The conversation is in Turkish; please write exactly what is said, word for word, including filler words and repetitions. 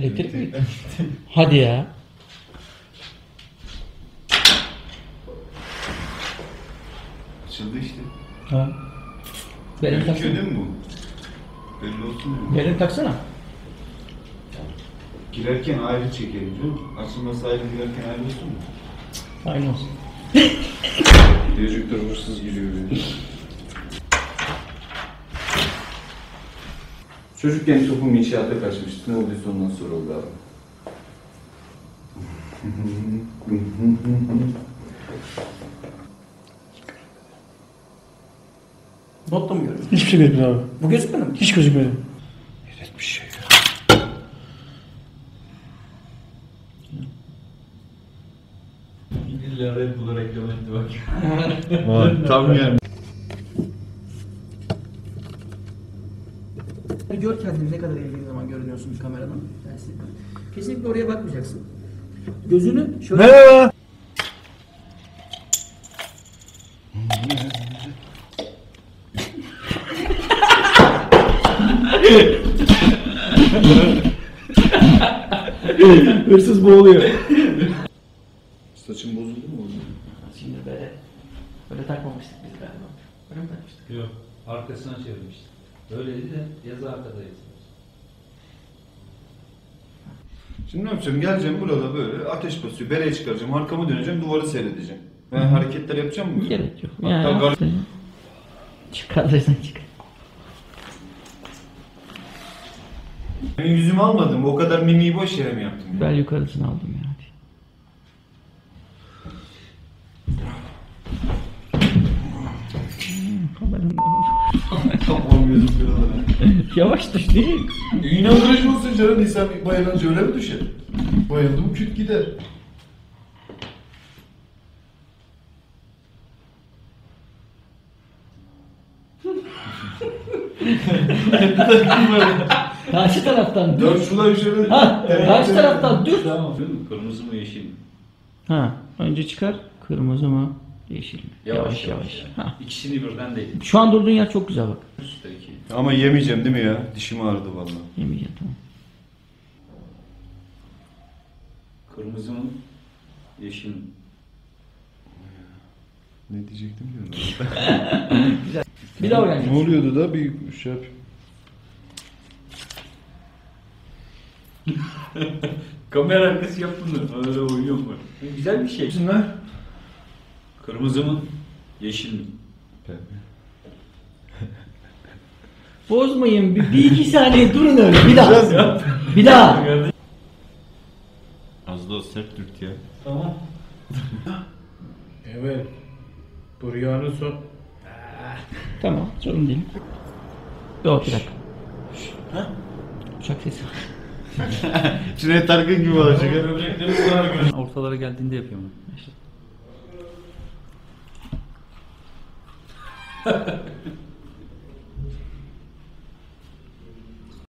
Elektrik mi? Hadi ya. Açıldı işte. Ha. Benim taksana. Köyde mi bu? Belli olsun mu? Benim taksana. Girerken ayrı çekelim canım. Açılması ayrı, girerken ayrı olsun mu? Aynı olsun. Diyecekler hırsız giriyor. Çocukken topum inşaata kaçmıştı. Ne olduysa ondan sonra oldu abi. Notta mı görüyorsun? Hiçbir şey gözükmedi abi. Bu gözükmedi mi? Hiç gözükmedi. Evet bir şey ya. İlla Red Bull'a reklam etti bak. Var, tam yani. Gör kendini ne kadar eğildiğin zaman görünüyorsun kameradan. Kesinlikle. Kesinlikle oraya bakmayacaksın. Gözünü şöyle... Merhaba. Hırsız boğuluyor. Saçın bozuldu mu oğlum? Şimdi böyle... Böyle takmamıştık biz galiba. Böyle mi takmıştık? Yok, arkasına çevirmiştim. Öyleydi de yazı arkadaydı. Şimdi ne yapacağım? Geleceğim burada böyle ateş basıyor. Bereye çıkaracağım. Arkamı döneceğim. Duvarı seyredeceğim. Ben hareketler yapacağım mı? Gerek yok. Hatta Ya, gar- çıkarırsan çıkar. Ben yüzümü almadım. O kadar mimiği boş yere mi yaptım? Ben yukarısını aldım ya. Kafam gözüm kırıldı. Yavaş düş değil. İnandırıcı olsun canım. İnsan bayılınca öyle mi düşer? Bayıldım küt gider. Karşı taraftan dur. Dört şuna şöyle. Ha, karşı taraftan dur. Tamam. Kırmızı mı yeşil mi? Ha, önce çıkar. Kırmızı mı? Yeşil mi? Yavaş Yavaş yavaş. yani. Ha. İkisini birden değil. Şu an durduğun yer çok güzel bak. Üstteki. Ama yemeyeceğim değil mi ya? Dişim ağrıdı vallahi. Yemeyeceğim tamam. Kırmızı mı? Yeşil mi? Ne diyecektim ki? Bir daha öğreneceğiz. Ne oluyordu da bir şey yapayım. Kamera arkası yap bunu. Öyle oynuyor mu? Güzel bir şey. Ne? Kırmızı mı? Yeşil mi? Bozmayın. Bir, bir iki saniye durun öyle. Bir daha. Bir daha. Az da sert dürt ya. Tamam. Evet. Bu rüyanın son. Tamam. Sorun değil. Yok bir dakika. Ha? Uçak sesi. Cüneyt Arkın gibi olacak. Ortalara geldiğinde yapıyorum. İşte.